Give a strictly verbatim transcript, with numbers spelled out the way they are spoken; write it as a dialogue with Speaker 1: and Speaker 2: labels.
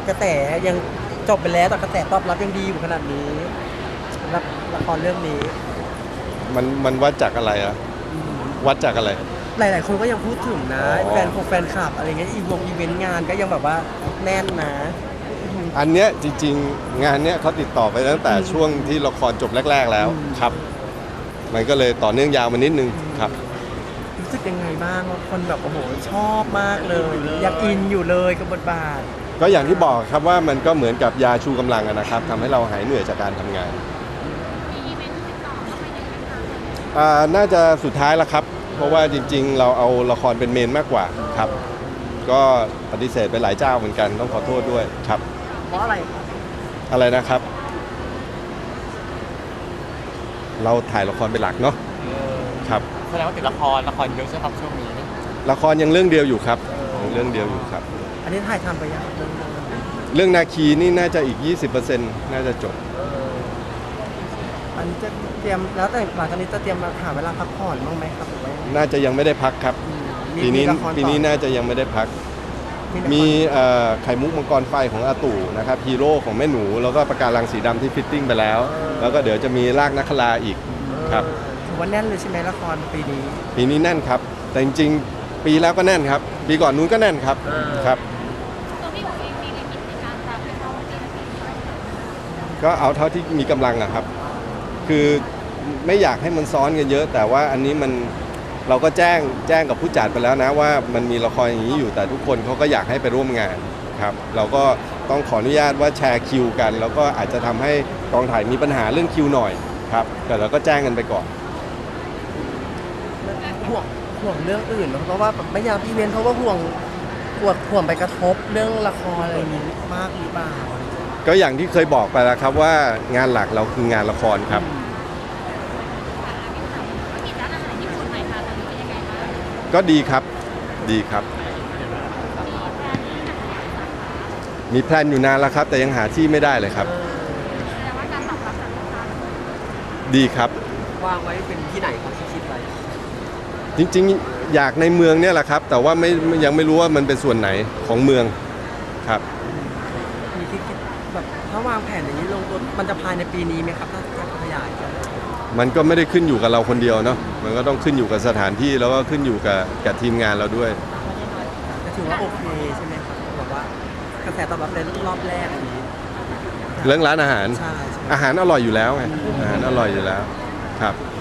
Speaker 1: กระแสยังจบไปแล้วแต่กระแสตอบรับยังดีอยู่ขนาดนี้รับละครเรื่องนี้
Speaker 2: มันมันวัดจากอะไรอะวัดจากอะไร
Speaker 1: หลายๆคนก็ยังพูดถึงนะแฟนคงแฟนคลับอะไรเงี้ยอีวงอีเวนต์งานก็ยังแบบว่าแน่นนะ
Speaker 2: อันเนี้ยจริงๆงานเนี้ยเขาติดต่อไปตั้งแต่ช่วงที่ละครจบแรกๆแล้วครับ มันก็เลยต่อเนื่องยาวมานิดนึงครับ
Speaker 1: รู้สึกยังไงบ้างว่าคนแบบโอ้โหชอบมากเลยยังอินอยู่เลยกับบทบาท
Speaker 2: ก็อย่างที่บอกครับว่ามันก็เหมือนกับยาชูกำลังอะนะครับทำให้เราหายเหนื่อยจากการทำงาน
Speaker 3: มีอีเวนต์ติดต่อเข้ามาอย่างไรคะ
Speaker 2: อ่าน่าจะสุดท้ายแล้วครับเพราะว่าจริงๆเราเอาละครเป็นเมนมากกว่าครับก็ปฏิเสธไปหลายเจ้าเหมือนกันต้องขอโทษด้วยครับ
Speaker 1: เพราะอะไร
Speaker 2: อะไรนะครับเราถ่ายละครเป็นหลักเนาะครับ
Speaker 4: แสดงว่าติดละครละครเยอะใช่ไหมครับช่วงนี้
Speaker 2: ละครยังเรื่องเดียวอยู่ครับเรื่องเดียวอยู่ครับ
Speaker 1: อันนี้ถ่ายทำไปยังเรื่อง
Speaker 2: เรื่องนาคีนี่น่าจะอีก ยี่สิบเปอร์เซ็นต์ น่าจะจบ
Speaker 1: อันนี้จะเตรียมแล้วแต่หลังจากนี้จะเตรียมมาหาเวลาพักผ่อนบ้างไหมครับหรือว่า
Speaker 2: น่าจะยังไม่ได้พักครับปีนี้ปีนี้น่าจะยังไม่ได้พักมีไข่มุกมังกรไฟของอาตู่นะครับฮีโร่ของแม่หนูแล้วก็ปะการังสีดำที่ฟิตติ้งไปแล้วแล้วก็เดี๋ยวจะมีรากนักคลาอีกครับ
Speaker 1: ถือว่าแน่นเลยใช่ไหมละครปีนี้
Speaker 2: ปีนี้แน่นครับแต่จริงๆปีแล้วก็แน่นครับปีก่อนนู้นก็แน่นครับครับ
Speaker 3: ตัวพี่ผมเองมีลิมิตในการรับให้เขาเอง
Speaker 2: ก็เอาเท่าที่มีกำลังอะครับคือไม่อยากให้มันซ้อนกันเยอะแต่ว่าอันนี้มันเราก็แจ้งแจ้งกับผู้จัดไปแล้วนะว่ามันมีละครอย่างนี้อยู่แต่ทุกคนเขาก็อยากให้ไปร่วมงานครับเราก็ต้องขออนุญาตว่าแชร์คิวกันแล้วก็อาจจะทำให้กองถ่ายมีปัญหาเรื่องคิวหน่อยครับแต่เราก็แจ้งกันไปก่อน
Speaker 1: ห่วงห่วงเรื่องอื่นเพราะว่าไม่อยากพี่เว้นเพราะว่าห่วงห่วงห่วงไปกระทบเรื่องละครอะไรอย่างนี้มากหรือเปล่า
Speaker 2: ก็อย่างที่เคยบอกไปแล้วครับว่างานหลักเราคืองานละครครับก็ดีครับดีครับมีแพลนอยู่นานแล้วครับแต่ยังหาที่ไม่ได้เลยครับดีครับ
Speaker 1: วางไว้เป็นที่ไหนครับที่คิดไว้
Speaker 2: จริงๆอยากในเมืองเนี่ยแหละครับแต่ว่าไม่ยังไม่รู้ว่ามันเป็นส่วนไหนของเมืองครับ
Speaker 1: มีที่คิดแบบถ้าวางแผนอย่างนี้ลงตัวมันจะภายในปีนี้ไหมครับถ้าจะขยาย
Speaker 2: มันก็ไม่ได้ขึ้นอยู่กับเราคนเดียวเนาะมันก็ต้องขึ้นอยู่กับสถานที่แล้วก็ขึ้นอยู่กับกับทีมงานเราด้วย
Speaker 1: ก็ถือว่าโอเคใช่ไหมครับแบบว่ากระแสตอบรับในรอบแรกอันนี้
Speaker 2: เรื่องร้านอาหาร
Speaker 1: ใช่
Speaker 2: อาหารอร่อยอยู่แล้วไงอาหารอร่อยอยู่แล้วครับ